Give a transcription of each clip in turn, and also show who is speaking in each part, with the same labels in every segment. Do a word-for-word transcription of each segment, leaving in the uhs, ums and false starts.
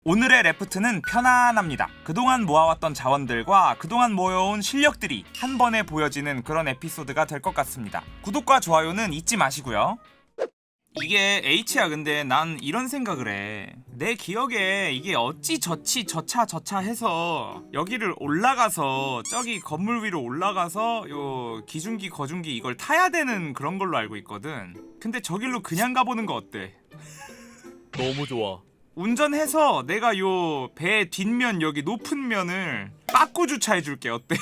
Speaker 1: 오늘의 레프트는 편안합니다. 그동안 모아왔던 자원들과 그동안 모여온 실력들이 한 번에 보여지는 그런 에피소드가 될 것 같습니다. 구독과 좋아요는 잊지 마시고요. 이게 H야. 근데 난 이런 생각을 해. 내 기억에 이게 어찌 저치 저차 저차 해서 여기를 올라가서 저기 건물 위로 올라가서 요 기중기 거중기 이걸 타야 되는 그런 걸로 알고 있거든. 근데 저길로 그냥 가보는 거 어때?
Speaker 2: 너무 좋아.
Speaker 1: 운전해서 내가 요 배 뒷면 여기 높은 면을 빠꾸 주차해줄게. 어때?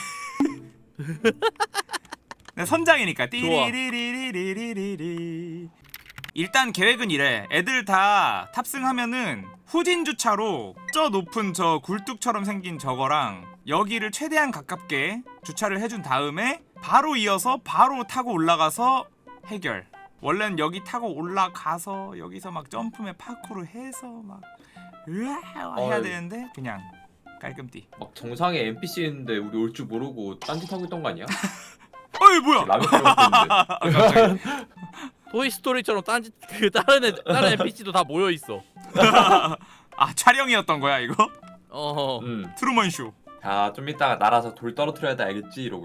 Speaker 1: 내 선장이니까. 띠리리리리리리리. 일단 계획은 이래. 애들 다 탑승하면은 후진 주차로 저 높은 저 굴뚝처럼 생긴 저거랑 여기를 최대한 가깝게 주차를 해준 다음에 바로 이어서 바로 타고 올라가서 해결. 원래는 여기 타고 올라가서 여기서 막 점프맨 파쿠르 해서 막 으아 해야
Speaker 3: 어이.
Speaker 1: 되는데 그냥 깔끔띠.
Speaker 3: 막 정상에 엔피씨인데 우리 올 줄 모르고 딴짓 하고 있던 거 아니야?
Speaker 1: 어이 뭐야?
Speaker 3: 라면 끓여 먹고 있는데.
Speaker 1: 아, 갑자기.
Speaker 2: 토이스토리처럼 딴짓 그 다른 애 다른 엔피씨도 다 모여 있어.
Speaker 1: 아 촬영이었던 거야 이거?
Speaker 2: 어.
Speaker 3: 음.
Speaker 1: 트루먼 쇼.
Speaker 3: 자, 좀 이따가 날아서 돌 떨어뜨려야 돼, 알겠지? 이러고.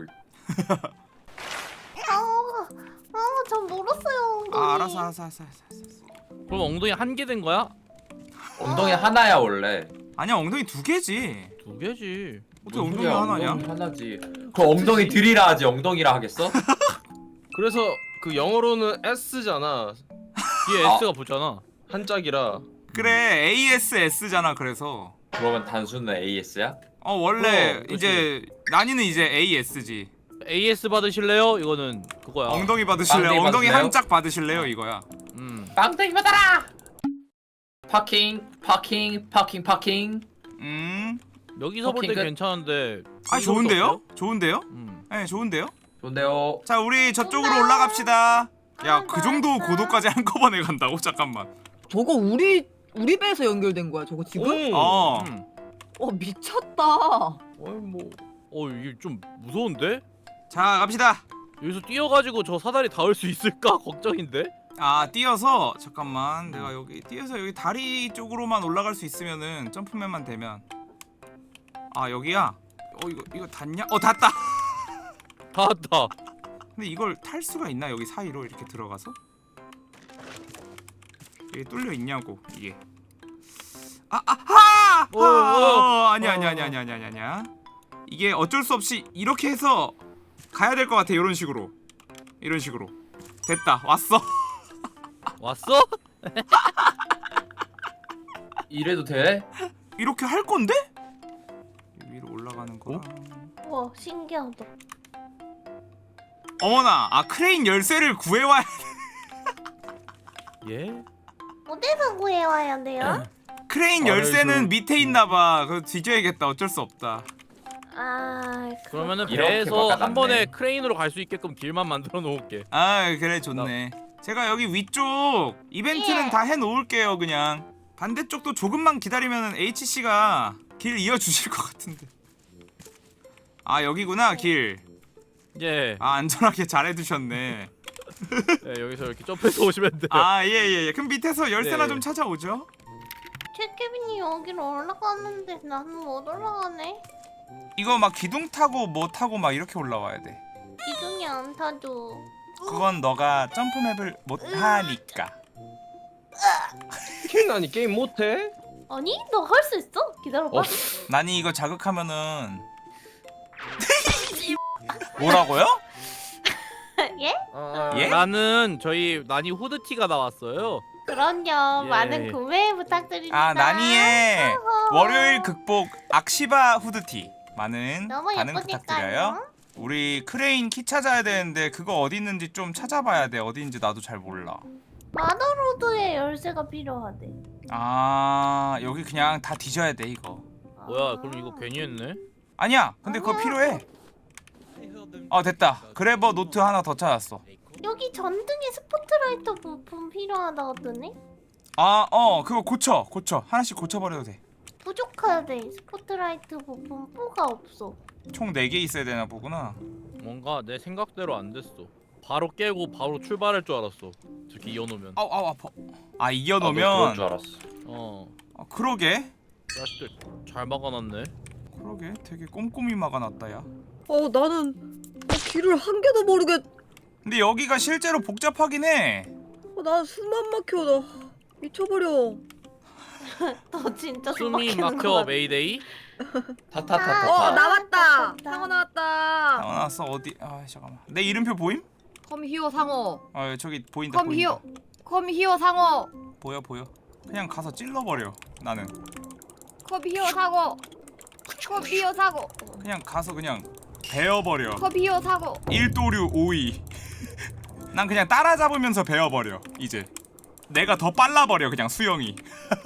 Speaker 4: 아, 아, 전 멀었어요. 엉덩이.
Speaker 1: 아 알았어 알았어 알았어 알았어.
Speaker 2: 그럼 엉덩이 한 개 된 거야?
Speaker 3: 엉덩이 하나야 원래.
Speaker 1: 아니야 엉덩이 두 개지.
Speaker 2: 두 개지.
Speaker 1: 어떻게
Speaker 3: 뭔
Speaker 1: 엉덩이
Speaker 3: 소리야,
Speaker 1: 하나냐?
Speaker 3: 엉덩이 하나지. 그 엉덩이 들이라 하지 엉덩이라 하겠어?
Speaker 5: 그래서 그 영어로는 S잖아.
Speaker 2: 뒤에
Speaker 3: 아.
Speaker 2: S가 붙잖아.
Speaker 5: 한짝이라.
Speaker 1: 그래 에이에스에스잖아. 그래서
Speaker 3: 그러면 단수는 에이에스야?
Speaker 1: 어 원래
Speaker 5: 그럼, 그치.
Speaker 1: 이제 난이는 이제 에이에스지.
Speaker 2: 에이에스 받으실래요? 이거는 그거야.
Speaker 1: 엉덩이 받으실래요?
Speaker 3: 엉덩이
Speaker 1: 엉덩이
Speaker 3: 받으실래요?
Speaker 1: 한 짝 받으실래요? 이거야.
Speaker 2: 음.
Speaker 3: 빵땡이 받아라! 파킹, 파킹, 파킹, 파킹.
Speaker 1: 음.
Speaker 2: 여기서 볼 때
Speaker 3: 오케이, 끝.
Speaker 2: 괜찮은데.
Speaker 1: 아
Speaker 2: 여기서부터
Speaker 1: 좋은데요?
Speaker 2: 어때요?
Speaker 1: 좋은데요?
Speaker 2: 음.
Speaker 1: 네 좋은데요?
Speaker 3: 좋은데요.
Speaker 1: 자 우리 저쪽으로 올라갑시다. 야
Speaker 4: 아,
Speaker 1: 그 정도
Speaker 4: 맞아.
Speaker 1: 고도까지 한꺼번에 간다고? 잠깐만.
Speaker 6: 저거 우리 우리 배에서 연결된 거야 저거 지금?
Speaker 5: 오.
Speaker 1: 어.
Speaker 2: 음.
Speaker 6: 어 미쳤다.
Speaker 2: 어이 뭐. 어 이게 좀 무서운데?
Speaker 1: 자 갑시다.
Speaker 2: 여기서 뛰어가지고 저 사다리 닿을 수 있을까 걱정인데?
Speaker 1: 아 뛰어서 잠깐만 내가 여기 뛰어서 여기 다리 쪽으로만 올라갈 수 있으면은 점프맨만 되면. 아 여기야? 어 이거 이거 닿냐? 어 닿다.
Speaker 2: 닿았다.
Speaker 1: 근데 이걸 탈 수가 있나? 여기 사이로 이렇게 들어가서? 이게 뚫려 있냐고 이게. 아, 아, 하!
Speaker 2: 어,
Speaker 1: 아,
Speaker 2: 어.
Speaker 1: 어, 아니야, 아니야, 아니야, 아니야, 아니야, 아니야. 이게 어쩔 수 없이 이렇게 해서 가야 될 것 같아. 이런 식으로, 이런 식으로. 됐다, 왔어.
Speaker 2: 왔어?
Speaker 3: 이래도 돼?
Speaker 1: 이렇게 할 건데? 위로 올라가는 거랑.
Speaker 4: 와, 신기하다.
Speaker 1: 어머나, 아 크레인 열쇠를 구해와야.
Speaker 2: 예?
Speaker 4: 어디서 구해와야 돼요?
Speaker 1: 크레인
Speaker 5: 아,
Speaker 1: 열쇠는
Speaker 5: 저-
Speaker 1: 밑에 있나봐. 그거 뒤져야겠다. 어쩔 수 없다.
Speaker 4: 아,
Speaker 2: 그러면은
Speaker 3: 이렇게
Speaker 2: 배에서
Speaker 3: 바꿔놨네.
Speaker 2: 한 번에 크레인으로 갈 수 있게끔 길만 만들어 놓을게.
Speaker 1: 아 그래 좋네. 제가 여기 위쪽 이벤트는
Speaker 4: 예.
Speaker 1: 다 해놓을게요. 그냥 반대쪽도 조금만 기다리면 H씨가 길 이어주실 것 같은데. 아 여기구나 길.
Speaker 2: 예.
Speaker 1: 아 안전하게 잘 해두셨네.
Speaker 2: 네, 여기서 이렇게 점프해서 오시면 돼.
Speaker 1: 아 예예예. 그럼 밑에서 열쇠나
Speaker 2: 네.
Speaker 1: 좀 찾아오죠.
Speaker 4: 최케빈이 여기로 올라갔는데 나는 못 올라가네.
Speaker 1: 이거 막 기둥 타고 뭐 타고 막 이렇게 올라와야 돼.
Speaker 4: 기둥이 안 타줘.
Speaker 1: 그건 너가 점프맵을 못 하니까.
Speaker 5: 킹 아니 게임 못해?
Speaker 4: 아니, 너 할 수 있어? 기다려봐.
Speaker 5: 어.
Speaker 1: 난이 이거 자극하면은 뭐라고요?
Speaker 4: 예?
Speaker 5: 아,
Speaker 1: 예?
Speaker 2: 나는 저희 나니 후드티가 나왔어요.
Speaker 4: 그럼요.
Speaker 2: 예.
Speaker 4: 많은 구매 부탁드립니다.
Speaker 1: 아 나니의
Speaker 4: 어허.
Speaker 1: 월요일 극복 악시바 후드티 많은
Speaker 4: 너무
Speaker 1: 반응 부탁드려요.
Speaker 4: 예쁘니까요.
Speaker 1: 우리 크레인 키 찾아야 되는데 그거 어디 있는지 좀 찾아봐야 돼. 어디인지 나도 잘 몰라.
Speaker 4: 마더로드의 열쇠가 필요하대.
Speaker 1: 아 여기 그냥 다 뒤져야 돼 이거.
Speaker 2: 뭐야? 그럼 이거 괜히 했네.
Speaker 1: 아니야. 근데 그거 필요해. 어 됐다. 그래버 노트 하나 더 찾았어.
Speaker 4: 여기 전등에 스포트라이트 부품 필요하다 하더니
Speaker 1: 아 어 그거 고쳐 고쳐 하나씩 고쳐버려도 돼.
Speaker 4: 부족하대. 스포트라이트 부품 포가 없어.
Speaker 1: 총 네 개 있어야 되나 보구나.
Speaker 2: 뭔가 내 생각대로 안 됐어. 바로 깨고 바로 출발할 줄 알았어. 저렇게 이어놓으면.
Speaker 1: 아우 아우 아파. 아
Speaker 3: 나도 그럴
Speaker 1: 이겨놓으면
Speaker 3: 줄 알았어.
Speaker 2: 어.
Speaker 1: 아, 그러게.
Speaker 2: 자식들 잘 막아놨네.
Speaker 1: 그러게 되게 꼼꼼히 막아놨다 야.
Speaker 6: 어 나는 어, 길을 한 개도 모르겠.
Speaker 1: 근데 여기가 실제로 복잡하긴 해.
Speaker 6: 어, 나는 숨만 막혀. 나 미쳐버려.
Speaker 4: 너 진짜 숨
Speaker 2: 숨이
Speaker 4: 막히는 거
Speaker 2: 막혀
Speaker 4: 같아.
Speaker 2: 메이데이.
Speaker 3: 타타타타.
Speaker 6: 어
Speaker 4: 아,
Speaker 6: 나왔다.
Speaker 4: 좋다.
Speaker 6: 상어 나왔다.
Speaker 1: 나왔어 어디? 아 잠깐만. 내 이름표 보임?
Speaker 6: 컴 히어 상어.
Speaker 1: 어 저기 보인다
Speaker 6: 컴
Speaker 1: 보인다.
Speaker 6: 히어. 컴 히어 상어.
Speaker 1: 보여 보여. 그냥 가서 찔러버려. 나는
Speaker 6: 컴 히어 상어. 컴 히어 상어.
Speaker 1: 그냥 가서 그냥 베어버려.
Speaker 6: 컴 히어 상어.
Speaker 1: 일도류 오이. 난 그냥 따라잡으면서 베어버려. 이제 내가 더 빨라버려 그냥 수영이.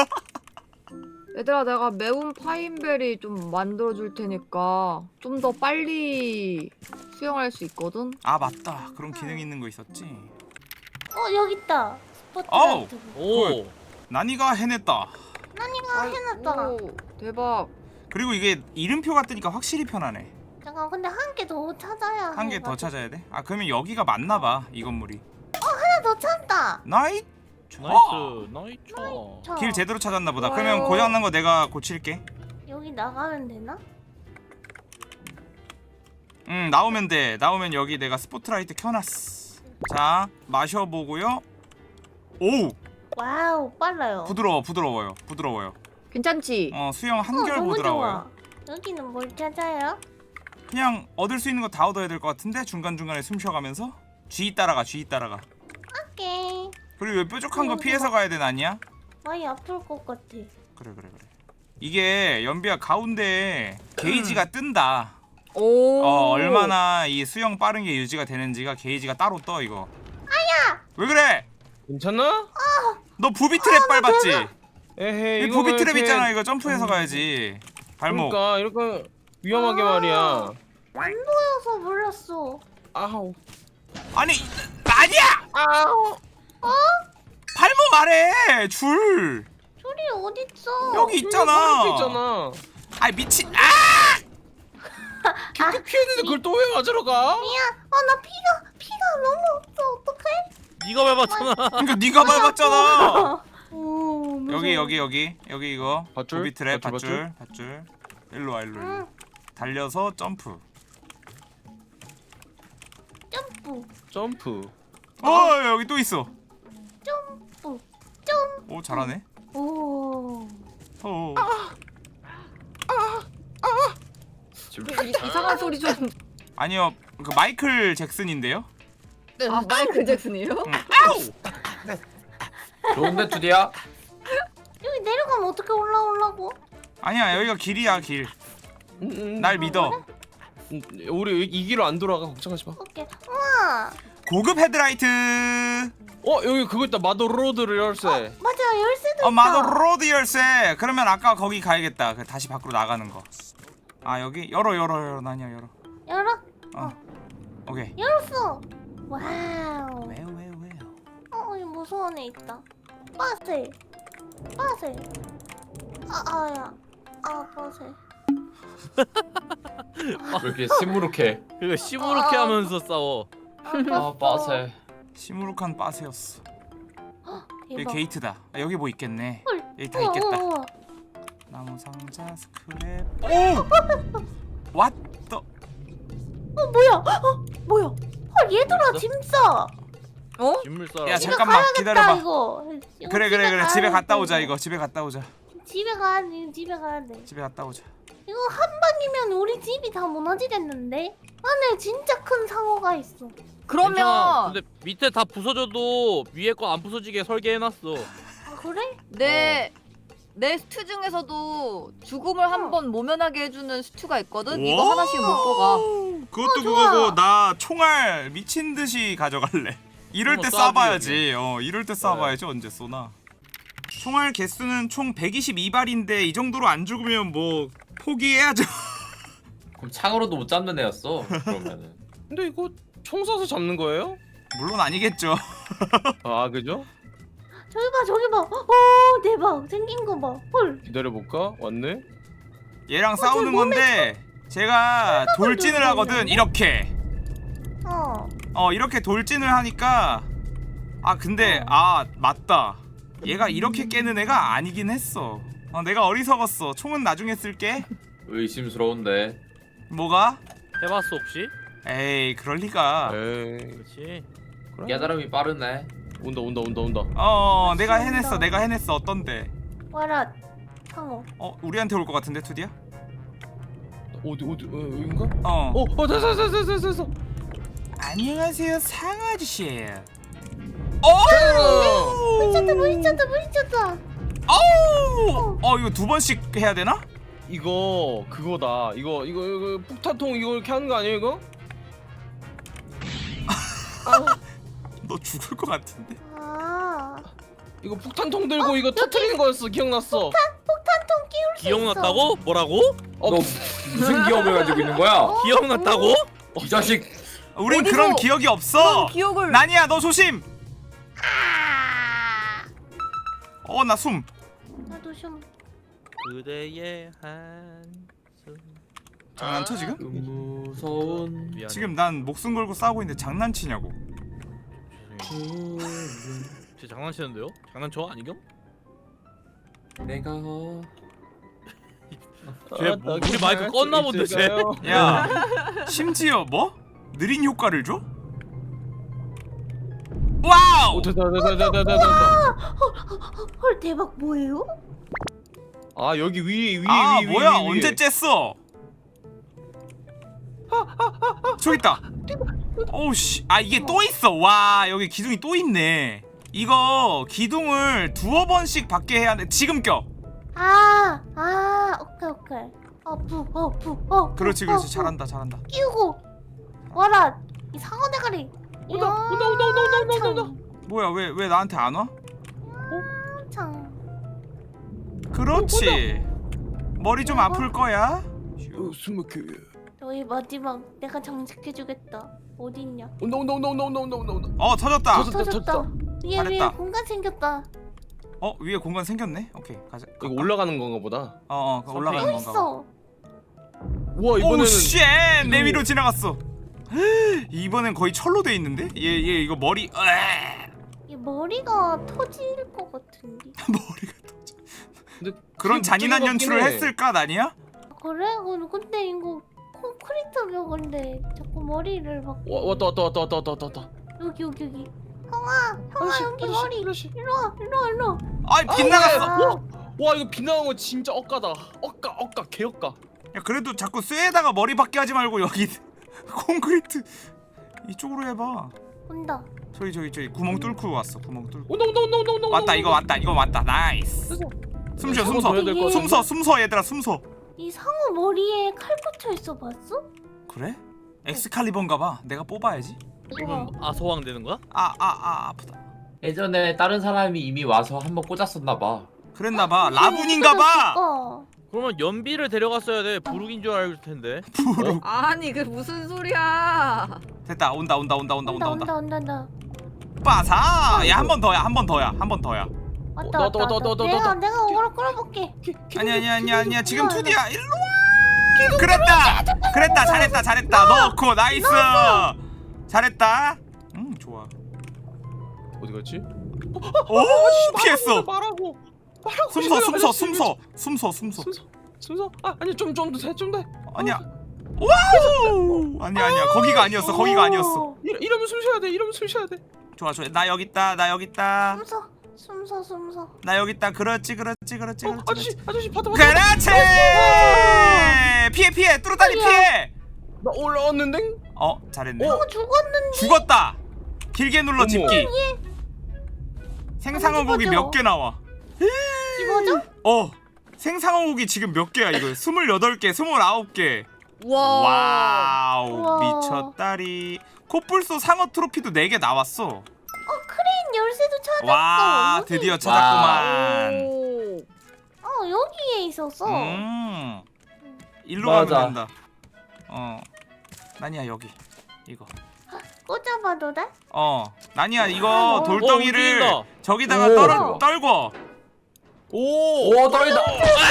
Speaker 6: 얘들아 내가 매운 파인베리 좀 만들어줄 테니까 좀 더 빨리 수영할 수 있거든?
Speaker 1: 아 맞다. 그런 기능 있는 거 있었지.
Speaker 4: 어 여기 있다.
Speaker 1: 어우.
Speaker 4: 스포트라이트.
Speaker 2: 오.
Speaker 1: 난이가 해냈다.
Speaker 4: 난이가 해놨다.
Speaker 6: 오, 대박.
Speaker 1: 그리고 이게 이름표가 뜨니까 확실히 편하네.
Speaker 4: 잠깐 근데 한 개 더 찾아야
Speaker 1: 한 개
Speaker 4: 해.
Speaker 1: 더 찾아야 돼? 아 그러면 여기가 맞나봐 이 건물이.
Speaker 4: 하나 더 찾다.
Speaker 1: 나이
Speaker 2: 나이스 나이스.
Speaker 4: 저
Speaker 1: 길 제대로 찾았나 보다.
Speaker 6: 좋아요.
Speaker 1: 그러면 고장난 거 내가 고칠게.
Speaker 4: 여기 나가면 되나?
Speaker 1: 응 나오면 돼. 나오면 여기 내가 스포트라이트 켜놨어. 자 마셔보고요. 오
Speaker 4: 와우 빨라요.
Speaker 1: 부드러워 부드러워요 부드러워요.
Speaker 6: 괜찮지?
Speaker 1: 어 수영
Speaker 4: 어,
Speaker 1: 한결
Speaker 4: 너무
Speaker 1: 부드러워요.
Speaker 4: 좋아. 여기는 뭘 찾아요?
Speaker 1: 그냥 얻을 수 있는 거 다 얻어야 될 것 같은데 중간 중간에 숨 쉬어가면서 G 따라가 G 따라가.
Speaker 4: 오케이.
Speaker 1: 그리고 이 뾰족한 거
Speaker 4: 너무
Speaker 1: 피해서 가야 되는 아니야?
Speaker 4: 많이 아플 것 같아.
Speaker 1: 그래 그래 그래. 이게 연비야 가운데에 게이지가 뜬다.
Speaker 6: 오.
Speaker 1: 어 얼마나 이 수영 빠른 게 유지가 되는지가 게이지가 따로 떠 이거. 아야. 왜 그래?
Speaker 5: 괜찮나?
Speaker 1: 너 부비 트랩 밟았지?
Speaker 5: 에헤이
Speaker 1: 이
Speaker 5: 이거
Speaker 1: 부비
Speaker 5: 왜
Speaker 1: 트랩
Speaker 5: 이렇게-
Speaker 1: 있잖아 이거 점프해서 가야지. 발목.
Speaker 5: 그러니까 이렇게 위험하게
Speaker 4: 아.
Speaker 5: 말이야.
Speaker 4: 안 보여서 몰랐어.
Speaker 5: 아우.
Speaker 1: 아니 아니야.
Speaker 5: 아우.
Speaker 1: 발목 아래 줄.
Speaker 4: 줄이 어딨어?
Speaker 1: 여기 있잖아.
Speaker 5: 이렇게 있잖아.
Speaker 1: 아이 미친. 아!
Speaker 5: 이렇게 피했는데 그걸 또 왜 가지러 가?
Speaker 4: 미안. 어 나 피가 피가 너무 없어. 어떡해?
Speaker 2: 네가 밟았잖아.
Speaker 1: 그러니까 네가 밟았잖아.
Speaker 4: 오, 무서워.
Speaker 1: 여기 여기 여기 여기 이거
Speaker 5: 밧줄?
Speaker 1: 부비 트랩
Speaker 5: 밧줄,
Speaker 1: 밧줄 밧줄. 일로 와 일로 일로.
Speaker 4: 응.
Speaker 1: 달려서 점프.
Speaker 4: 점프
Speaker 5: 점프.
Speaker 1: 어 여기 또 있어.
Speaker 4: 점프 점프.
Speaker 1: 오 잘하네.
Speaker 4: 오.
Speaker 1: 어.
Speaker 6: 이, 이상한 소리 좀.
Speaker 1: 아니요 그 마이클 잭슨인데요.
Speaker 6: 아 마이클 잭슨이에요?
Speaker 1: 응. 아우.
Speaker 3: 좋은데 투디야?
Speaker 4: 여기 내려가면 어떻게 올라오려고?
Speaker 1: 아니야 여기가 길이야 길.
Speaker 5: 음, 음,
Speaker 1: 날 믿어.
Speaker 5: 음, 우리 이 길로 안 돌아가 걱정하지 마.
Speaker 4: 오케이. 우와.
Speaker 1: 고급 헤드라이트.
Speaker 5: 어 여기 그거 있다 마도 로드를 열쇠.
Speaker 4: 맞아 열쇠도
Speaker 1: 어
Speaker 4: 있다.
Speaker 1: 마도 로드 열쇠. 그러면 아까 거기 가야겠다. 그 다시 밖으로 나가는 거. 아 여기 열어 열어 열어 나냐 열어.
Speaker 4: 열어.
Speaker 1: 어. 오케이.
Speaker 4: 열었어. 와우.
Speaker 1: 왜요 왜요 왜요.
Speaker 4: 어 여기 무서운 애 있다. 빠세. 빠세. 아 아야. 아 빠세.
Speaker 3: 왜 이렇게 시무룩해?
Speaker 2: 그거 시무룩해
Speaker 4: 아.
Speaker 2: 하면서 싸워.
Speaker 3: 아 빠세.
Speaker 1: 시무룩한 빠세였어. 여기
Speaker 4: 대박.
Speaker 1: 게이트다. 아, 여기 뭐 있겠네.
Speaker 4: 헐.
Speaker 1: 여기 다
Speaker 4: 우와,
Speaker 1: 있겠다.
Speaker 4: 우와, 우와.
Speaker 1: 나무 상자 스크랩. 오! 왓더.
Speaker 4: 어 뭐야? 어 뭐야? 헐 얘들아
Speaker 2: 있어?
Speaker 4: 짐 싸.
Speaker 6: 어?
Speaker 2: 진물 싸라.
Speaker 1: 야,
Speaker 4: 집에
Speaker 1: 잠깐만,
Speaker 4: 가야겠다,
Speaker 1: 기다려봐.
Speaker 4: 이거. 이거
Speaker 1: 그래 그래 그래
Speaker 4: 가야
Speaker 1: 집에 갔다
Speaker 4: 돼,
Speaker 1: 오자
Speaker 4: 이거.
Speaker 1: 이거 집에 갔다 오자.
Speaker 4: 집에 가야 돼. 집에 가야 돼.
Speaker 1: 집에 갔다 오자.
Speaker 4: 이거 한 방이면 우리 집이 다 무너지겠는데? 안에 진짜 큰 상어가 있어.
Speaker 2: 괜찮아.
Speaker 6: 그러면
Speaker 2: 근데 밑에 다 부서져도 위에 거 안 부서지게 설계해놨어.
Speaker 4: 아 그래?
Speaker 6: 내 내 스튜 중에서도 죽음을 한번 모면하게 해주는 스튜가 있거든. 이거 하나씩 먹고 가.
Speaker 1: 그것도
Speaker 4: 어, 좋아.
Speaker 1: 그거고 나 총알 미친 듯이 가져갈래. 이럴 때
Speaker 2: 한번
Speaker 1: 쏴봐야지. 어 이럴 때 쏴봐야지 언제 쏘나. 총알 개수는 총 백이십이 발인데 이 정도로 안 죽으면 뭐 포기해야죠.
Speaker 3: 그럼 창으로도 못 잡는 애였어. 그러면은.
Speaker 5: 근데 이거 총 쏴서 잡는 거예요?
Speaker 1: 물론 아니겠죠.
Speaker 5: 아 그죠?
Speaker 4: 저기 봐 저기 봐. 오 대박 생긴 거 봐. 헐.
Speaker 5: 기다려볼까? 왔네.
Speaker 1: 얘랑
Speaker 4: 어,
Speaker 1: 싸우는
Speaker 4: 제 몸에
Speaker 1: 건데 제가 돌진을
Speaker 4: 들고
Speaker 1: 하거든.
Speaker 4: 있는데?
Speaker 1: 이렇게.
Speaker 4: 어.
Speaker 1: 어 이렇게 돌진을 하니까 아 근데
Speaker 4: 어.
Speaker 1: 아 맞다. 얘가 이렇게 깨는 애가 아니긴 했어. 아 어 내가 어리석었어. 총은 나중에 쓸게.
Speaker 3: 의심스러운데.
Speaker 1: 뭐가?
Speaker 2: 해봤어 혹시?
Speaker 1: 에이 그럴 리가.
Speaker 5: 에이
Speaker 2: 그렇지.
Speaker 5: 그래.
Speaker 3: 깨달음이 빠르네.
Speaker 5: 온다 온다 온다 온다.
Speaker 1: 어 내가 해냈어. 내가 해냈어. 어떤데?
Speaker 4: 와라 상어.
Speaker 1: 어 우리한테 올 것 같은데 투디야?
Speaker 5: 어디 어디 어, 여긴가?
Speaker 1: 어.
Speaker 5: 어, 어 됐어 됐어 됐어 됐어.
Speaker 1: 안녕하세요 상어 아저씨.
Speaker 5: 어.
Speaker 4: 미쳤다 미쳤다 미쳤다.
Speaker 1: 어우. 어 이거 두 번씩 해야 되나?
Speaker 5: 이거 그거다. 이거 이거 이거 폭탄통 이거 이렇게 하는 거 아니에요 이거?
Speaker 1: 너 죽을 것 같은데.
Speaker 4: 아
Speaker 5: 이거 폭탄통 들고 이거 터트리는 거였어. 기억났어.
Speaker 4: 폭탄통 끼울 수 있어.
Speaker 2: 기억났다고? 뭐라고?
Speaker 5: 어,
Speaker 3: 너 무슨 기억을 가지고 있는 거야?
Speaker 4: 어?
Speaker 2: 기억났다고?
Speaker 3: 이 자식.
Speaker 1: 우린
Speaker 6: 어디서
Speaker 1: 그런 기억이
Speaker 6: 그런
Speaker 1: 없어.
Speaker 6: 기억을.
Speaker 1: 나니야 너 조심.
Speaker 4: 아
Speaker 1: 어 나 숨.
Speaker 4: 나도 좀
Speaker 2: 그대의 한숨.
Speaker 1: 장난쳐 지금?
Speaker 3: 무서운.
Speaker 2: 미안해.
Speaker 1: 지금 난 목숨 걸고 싸우고 있는데 장난치냐고.
Speaker 2: 죄송해요. 쟤 장난치는데요? 장난쳐 아니경?
Speaker 3: 내가 어...
Speaker 2: 쟤 뭐, 우리 마이크 껐나 본데 쟤.
Speaker 1: 야 심지어 뭐? 느린 효과를 줘? 와우!
Speaker 5: 오 됐다 됐다 됐다 됐다 됐다.
Speaker 4: 헐 대박 뭐예요?
Speaker 5: 아 여기 위에 위에
Speaker 1: 아
Speaker 5: 위에 위에
Speaker 1: 뭐야
Speaker 5: 위에.
Speaker 1: 언제 쬐어? 저기 있다. 오우씨 아 이게 또 있어. 와 여기 기둥이 또 있네. 이거 기둥을 두어 번씩 받게 해야 돼. 지금 껴.
Speaker 4: 아, 아, 오케이, 오케이. 어부, 어부, 어.
Speaker 1: 그렇지 그렇지 잘한다 잘한다.
Speaker 4: 끼우고 와라 이 상어 대가리.
Speaker 5: 온다 온다 온다 온다 온다 온다 온다.
Speaker 1: 뭐야 왜 왜 나한테 안 와?
Speaker 4: 참.
Speaker 1: 그렇지. 머리 좀 아플 거야.
Speaker 5: 어, 숨막혀.
Speaker 4: 너희 마지막 내가 장식해주겠다. 어디 있냐?
Speaker 5: 온다 온다 온다 온다 온다 온다 온다 온다.
Speaker 1: 어 터졌다.
Speaker 5: 터졌다,
Speaker 4: 터졌다.
Speaker 5: 터졌다.
Speaker 4: 위에 위에
Speaker 1: 잘했다.
Speaker 4: 공간 생겼다.
Speaker 1: 어 위에 공간 생겼네. 오케이 가자.
Speaker 5: 이거 올라가는 건가 보다.
Speaker 1: 어어 그 올라가는
Speaker 4: 또
Speaker 1: 건가 봐.
Speaker 4: 있어.
Speaker 5: 우와 이번에는
Speaker 1: 오쉣 내
Speaker 5: 기둥이-
Speaker 1: 위로 지나갔어. 이번엔 거의 철로 돼 있는데? 얘 얘 이거 머리 으아!
Speaker 4: 이 머리가 터질 것 같은데.
Speaker 1: 머리가 터져.
Speaker 5: 근데
Speaker 1: 그런
Speaker 5: 그게
Speaker 1: 잔인한
Speaker 5: 웃긴 것
Speaker 1: 연출을
Speaker 5: 같긴 해.
Speaker 1: 했을까 나니야?
Speaker 4: 아, 그래? 어, 근데 이거 콘크리트 벽인데 자꾸 머리를 막.
Speaker 5: 와, 왔다 왔다 왔다 왔다 왔다 왔다.
Speaker 4: 여기 여기 여기. 형아, 형아
Speaker 5: 아저씨,
Speaker 4: 여기
Speaker 5: 아저씨,
Speaker 4: 머리.
Speaker 5: 아저씨.
Speaker 4: 일로 와, 일로 와, 일로 와.
Speaker 1: 아이 빗나갔어.
Speaker 4: 아,
Speaker 5: 와 이거 빛나는 거 진짜 억까다. 억까 억까 개억까.
Speaker 1: 야 그래도 자꾸 쇠에다가 머리 박게 하지 말고 여기 콘크리트 이쪽으로 해봐.
Speaker 4: 온다.
Speaker 1: 저기 저기 저기 구멍 뚫고 왔어. 구멍 뚫고.
Speaker 5: 온다 온다 온다 온다 온다.
Speaker 1: 왔다 이거 왔다 이거 왔다. 나이스.
Speaker 5: 됐어.
Speaker 1: 숨쉬어
Speaker 5: 이거
Speaker 1: 숨서.
Speaker 5: 더 해야 될것 같아.
Speaker 1: 숨서 숨서 얘들아 숨서.
Speaker 4: 이 상어 머리에 칼 꽂혀 있어 봤어?
Speaker 1: 그래? 엑스칼리버인가봐. 내가 뽑아야지.
Speaker 2: 그러면 아소왕 되는 거야?
Speaker 1: 아 아 아 아프다.
Speaker 3: 예전에 다른 사람이 이미 와서 한번 꽂았었나 봐.
Speaker 1: 그랬나봐. 라분인가봐.
Speaker 4: 어.
Speaker 2: 그러면 연비를 데려갔어야 돼. 부룩인 줄 알을 텐데.
Speaker 1: 부르.
Speaker 6: 아니 그 무슨 소리야?
Speaker 1: 됐다. 온다 온다 온다 온다 온다 온다.
Speaker 4: 온다 온다 온다.
Speaker 1: 빠사. 야 한 번 더야 한 번 더야 한 번 더야.
Speaker 4: 왔다
Speaker 5: 어,
Speaker 4: 왔다
Speaker 5: 너, 너,
Speaker 4: 왔다.
Speaker 5: 너, 너,
Speaker 4: 내가
Speaker 5: 너,
Speaker 4: 내가 오거로 끌어볼게.
Speaker 1: 아니 아니 아니 아니야 지금
Speaker 4: 일로 와,
Speaker 1: 투디야 일로 와. 그랬다 그랬다 잘했다 잘했다 넣고 나이스 잘했다. 음 좋아.
Speaker 5: 어디 갔지?
Speaker 1: 오 피했어.
Speaker 5: 말하고. 말하고.
Speaker 1: 숨서 숨서
Speaker 5: 아저씨,
Speaker 1: 숨서 숨서 숨서.
Speaker 5: 숨서. 숨서. 아 아니 좀좀더좀 더.
Speaker 1: 아니야. 와우 아니야 아니야 거기가 아니었어 거기가 아니었어.
Speaker 5: 이러, 이러면 숨 쉬어야 돼. 이러면 숨 쉬어야 돼.
Speaker 1: 좋아 좋아 나 여기 있다 나 여기 있다
Speaker 4: 숨서 숨서 숨서.
Speaker 1: 나 여기 있다 그렇지 그렇지 그렇지
Speaker 5: 어,
Speaker 1: 그렇지.
Speaker 5: 아저씨 아저씨 받아 받아.
Speaker 1: 그렇지 피해 피해 뚜루다리 피해.
Speaker 5: 나 올라왔는데.
Speaker 1: 어 잘했네.
Speaker 4: 어 죽었는데.
Speaker 1: 죽었다. 길게 눌러
Speaker 5: 어머.
Speaker 1: 집기. 생상어 고기
Speaker 4: 집어줘.
Speaker 1: 몇 개 나와?
Speaker 4: 집어줘?
Speaker 1: 어 생상어 고기 지금 몇 개야 이거? 스물여덟 개, 스물아홉 개.
Speaker 6: 와.
Speaker 1: 와우
Speaker 4: 우와.
Speaker 1: 미쳤다리. 코뿔소 상어 트로피도 네 개 나왔어.
Speaker 4: 어 크레인 열쇠도 찾았어.
Speaker 1: 와
Speaker 4: 여기.
Speaker 1: 드디어 찾았구만.
Speaker 6: 오.
Speaker 4: 어 여기에 있었어.
Speaker 1: 음 일로
Speaker 3: 맞아.
Speaker 1: 가면 된다. 어 나니야 여기 이거.
Speaker 4: 꽂아봐도 돼?
Speaker 1: 어 나니야 이거
Speaker 4: 어,
Speaker 1: 돌덩이를
Speaker 2: 움직인다.
Speaker 1: 저기다가
Speaker 3: 오.
Speaker 1: 떨어 떨궈.
Speaker 5: 오.
Speaker 3: 오 떨리다.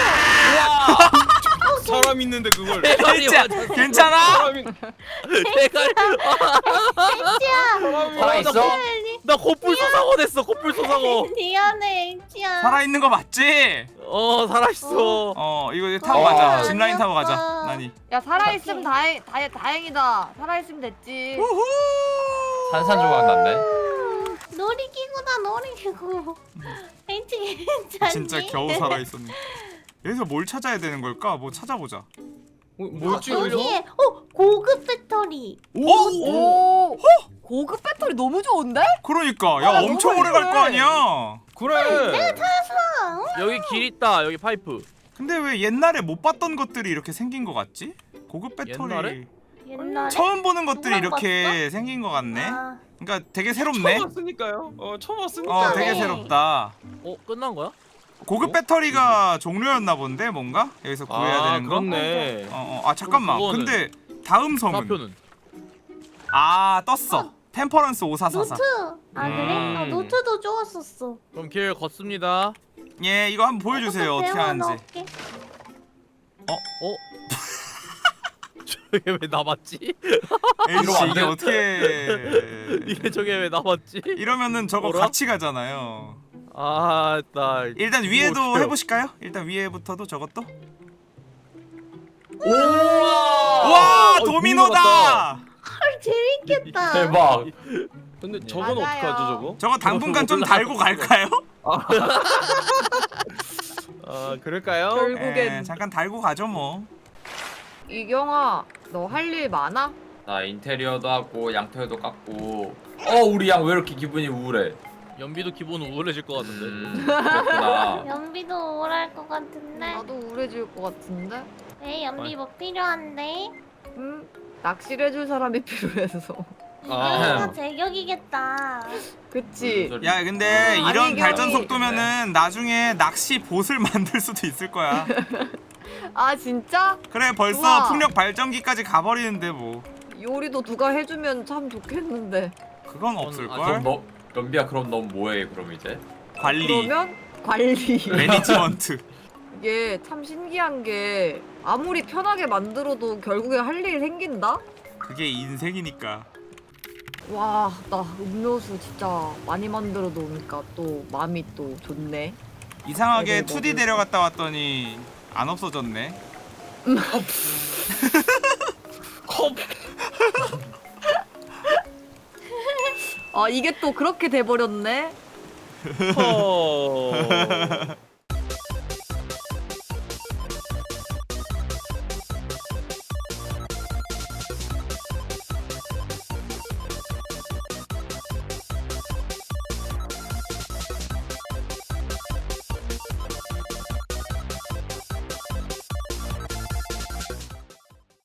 Speaker 5: 사람 있는데 그걸.
Speaker 2: 대가리
Speaker 1: 진짜
Speaker 2: 맞았어.
Speaker 1: 괜찮아?
Speaker 5: 사람이.
Speaker 2: 대가리.
Speaker 4: 야
Speaker 5: 사람이
Speaker 3: 살아있어?
Speaker 5: 맞아.
Speaker 2: 나 코뿔 소상어 됐어. 코뿔 소상어.
Speaker 4: 미안해 엑지야.
Speaker 1: 살아있는 거 맞지?
Speaker 2: 어 살아있어.
Speaker 1: 어 이거 이제 타고
Speaker 3: 어,
Speaker 1: 가자.
Speaker 3: 아니었어.
Speaker 1: 짚라인 타고 가자. 나니.
Speaker 6: 야 살아있으면 다행 다, 다행이다. 살아있으면 됐지.
Speaker 1: 우후.
Speaker 3: 산산조각 났네.
Speaker 4: 음, 놀이기구다 놀이기구. 엑지 괜찮니?
Speaker 1: 진짜 겨우 살아있었네. 여기서 뭘 찾아야 되는 걸까? 뭐 찾아보자.
Speaker 5: 어, 뭐였지?
Speaker 2: 아,
Speaker 5: 여기서?
Speaker 4: 여기에 어 고급 배터리.
Speaker 1: 오!
Speaker 6: 오. 고급 배터리 너무 좋은데?
Speaker 1: 그러니까 야
Speaker 6: 아,
Speaker 1: 엄청
Speaker 6: 너무
Speaker 1: 오래 갈 거
Speaker 6: 예쁘네.
Speaker 1: 아니야.
Speaker 5: 그래.
Speaker 2: 여기 길 있다. 여기 파이프.
Speaker 1: 근데 왜 옛날에 못 봤던 것들이 이렇게 생긴 거 같지? 고급 배터리
Speaker 2: 옛날에?
Speaker 4: 옛날에.
Speaker 1: 처음 보는 것들이
Speaker 4: 누가
Speaker 1: 이렇게 생긴 거 같네.
Speaker 4: 아,
Speaker 1: 그러니까 되게 새롭네.
Speaker 5: 처음 왔으니까요. 어 처음 왔으니까.
Speaker 1: 어
Speaker 4: 그러네.
Speaker 1: 되게 새롭다.
Speaker 2: 어 끝난 거야?
Speaker 1: 고급 배터리가 종료였나 본데 뭔가 여기서 구해야
Speaker 5: 아
Speaker 1: 되는 거.
Speaker 5: 그렇네.
Speaker 1: 어, 어, 아 잠깐만.
Speaker 2: 그럼 그거는-
Speaker 1: 근데 다음 섬은
Speaker 2: 좌표는.
Speaker 1: 아 떴어. 템퍼런스 오사사사.
Speaker 4: 노트. 아 그래?
Speaker 1: 음.
Speaker 4: 나 노트도 좋았었어.
Speaker 2: 그럼 길 걷습니다.
Speaker 1: 예 이거 한번 보여주세요
Speaker 4: 노트
Speaker 1: 어떻게 하는지.
Speaker 4: 배워놓을게.
Speaker 2: 어? 저게 왜 남았지?
Speaker 1: 에이씨
Speaker 3: 안
Speaker 1: 이게
Speaker 3: 돼.
Speaker 1: 어떻게
Speaker 2: 이게 저게 왜 남았지?
Speaker 1: 이러면은 저거
Speaker 2: 뭐라?
Speaker 1: 같이 가잖아요.
Speaker 2: 아, 나
Speaker 1: 일단
Speaker 2: 이거
Speaker 1: 위에도
Speaker 2: 어떡해요?
Speaker 1: 해보실까요? 일단 위에부터도 저것도.
Speaker 3: 오!
Speaker 1: 와
Speaker 2: 어,
Speaker 1: 도미노다.
Speaker 4: 헐 재밌겠다.
Speaker 3: 대박.
Speaker 5: 근데 저건
Speaker 6: 맞아요.
Speaker 5: 어떻게 하죠 저거?
Speaker 1: 저거 당분간 좀
Speaker 2: 올라가.
Speaker 1: 달고 갈까요?
Speaker 5: 아 그럴까요?
Speaker 6: 결국엔
Speaker 1: 에, 잠깐 달고 가죠 뭐.
Speaker 6: 이경아 너 할 일 많아?
Speaker 3: 나 인테리어도 하고 양털도 깎고. 어 우리 양 왜 이렇게 기분이 우울해?
Speaker 2: 연비도 기본 우울해질 것 같은데.
Speaker 3: 음 그렇구나.
Speaker 4: 연비도 우울할 것 같은데.
Speaker 6: 나도 우울해질 것 같은데.
Speaker 4: 왜 연비 뭐 필요한데?
Speaker 6: 음 낚시를 해줄 사람이 필요해서.
Speaker 5: 아.
Speaker 4: 이거 제격이겠다.
Speaker 6: 그치.
Speaker 1: 야 근데
Speaker 6: 음,
Speaker 1: 이런
Speaker 6: 아니,
Speaker 1: 발전
Speaker 6: 형이-
Speaker 1: 속도면은 나중에 낚시 봇을 만들 수도 있을 거야.
Speaker 6: 아 진짜?
Speaker 1: 그래 벌써
Speaker 6: 우와.
Speaker 1: 풍력 발전기까지 가버리는데 뭐
Speaker 6: 요리도 누가 해주면 참 좋겠는데.
Speaker 1: 그건
Speaker 2: 아,
Speaker 1: 없을
Speaker 3: 그럼
Speaker 1: 걸.
Speaker 3: 너 연비야 그럼 넌 뭐해 그럼 이제?
Speaker 1: 관리,
Speaker 6: 그러면 관리.
Speaker 1: 매니지먼트.
Speaker 6: 이게 참 신기한 게 아무리 편하게 만들어도 결국에 할 일이 생긴다?
Speaker 1: 그게 인생이니까.
Speaker 6: 와, 나 음료수 진짜 많이 만들어 놓으니까 또 마음이 또 좋네.
Speaker 1: 이상하게
Speaker 6: 네네,
Speaker 1: 투디
Speaker 6: 먹을
Speaker 1: 데려갔다 왔더니 안 없어졌네.
Speaker 5: 컵.
Speaker 6: 아, 이게 또 그렇게 돼버렸네?
Speaker 5: 컵.